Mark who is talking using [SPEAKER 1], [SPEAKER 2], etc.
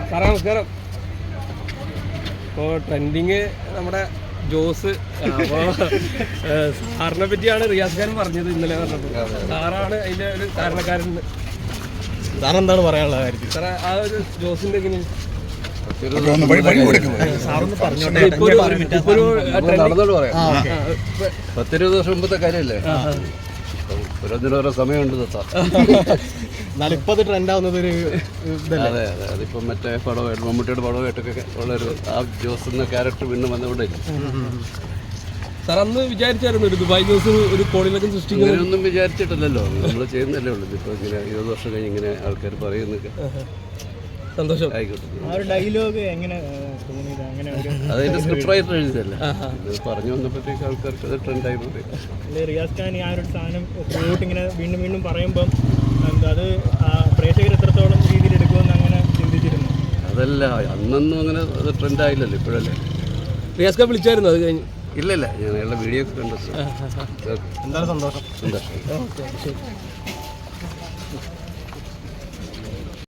[SPEAKER 1] സാറേ നമസ്കാരം. ഇപ്പോൾ ട്രെൻഡിങ് നമ്മുടെ ജോസ്. അപ്പോൾ സാറിനെ പറ്റിയാണ് റിയാസ് ഖാൻ പറഞ്ഞത് ഇന്നലെ പറഞ്ഞപ്പോൾ. സാറാണ് അതിൻ്റെ ഒരു കാരണക്കാരൻ.
[SPEAKER 2] സാറെന്താണ് പറയാനുള്ള കാര്യത്തിൽ?
[SPEAKER 1] സാറേ ആ ഒരു ജോസിൻ്റെ എങ്ങനെയാണ്?
[SPEAKER 3] പത്തിരുപത് വർഷം മുമ്പത്തെ കാര്യമല്ലേ, ഓരോ സമയമുണ്ട്.
[SPEAKER 2] എന്നാലും ഇപ്പൊ അത് ട്രെൻഡ് ആവുന്നത് ഒരു
[SPEAKER 3] അതെ അതെ, അതിപ്പം മറ്റേ പടമായിട്ട് മമ്മൂട്ടിയുടെ പടമായിട്ടൊക്കെ ഉള്ളൊരു ആ ജോസ് എന്ന ക്യാരക്ടർ പിന്നെ വന്നുകൊണ്ടേ.
[SPEAKER 1] സാർ അന്ന് വിചാരിച്ചായിരുന്നു ഒരു ദുബായ് ന്യൂസ് ഒരു കോളിലൊക്കെ സൃഷ്ടിക്കുന്നത്?
[SPEAKER 3] അങ്ങനെയൊന്നും വിചാരിച്ചിട്ടില്ലല്ലോ, നമ്മൾ ചെയ്യുന്നല്ലേ ഉള്ളൂ. ഇപ്പോൾ ഇങ്ങനെ 20 വർഷം കഴിഞ്ഞ് ഇങ്ങനെ ആൾക്കാർ പറയുന്നൊക്കെ
[SPEAKER 1] സന്തോഷം.
[SPEAKER 3] ആയിക്കോട്ടെ.
[SPEAKER 2] ഡയലോഗ് എങ്ങനെ തോന്നിയത്? അങ്ങനെ
[SPEAKER 3] അതിന്റെ സ്ക്രിപ്റ്റ് റൈറ്റർ എഴുതിയതല്ലേ, പറഞ്ഞു വന്നപ്പോഴത്തേക്ക് ആൾക്കാർക്ക് അത് ട്രെൻഡ് ആയിരുന്നു.
[SPEAKER 2] റിയാസ് ഖാൻ ആ ഒരു സാധനം ഇങ്ങനെ വീണ്ടും വീണ്ടും പറയുമ്പം അത് പ്രേക്ഷകർ എത്രത്തോളം രീതിയിൽ എടുക്കുമെന്ന് അങ്ങനെ ചിന്തിച്ചിരുന്നു?
[SPEAKER 3] അതല്ല, അന്നൊന്നും അങ്ങനെ അത് ട്രെൻഡ് ആയില്ലല്ലോ, ഇപ്പോഴല്ലേ.
[SPEAKER 1] റിയാസ് ഖാൻ വിളിച്ചായിരുന്നു അത് കഴിഞ്ഞ്?
[SPEAKER 3] ഇല്ലല്ല, ഞാൻ അയാളുടെ വീഡിയോ ഒക്കെ കണ്ടു.
[SPEAKER 2] എന്താണ് സന്തോഷം.
[SPEAKER 3] സന്തോഷം.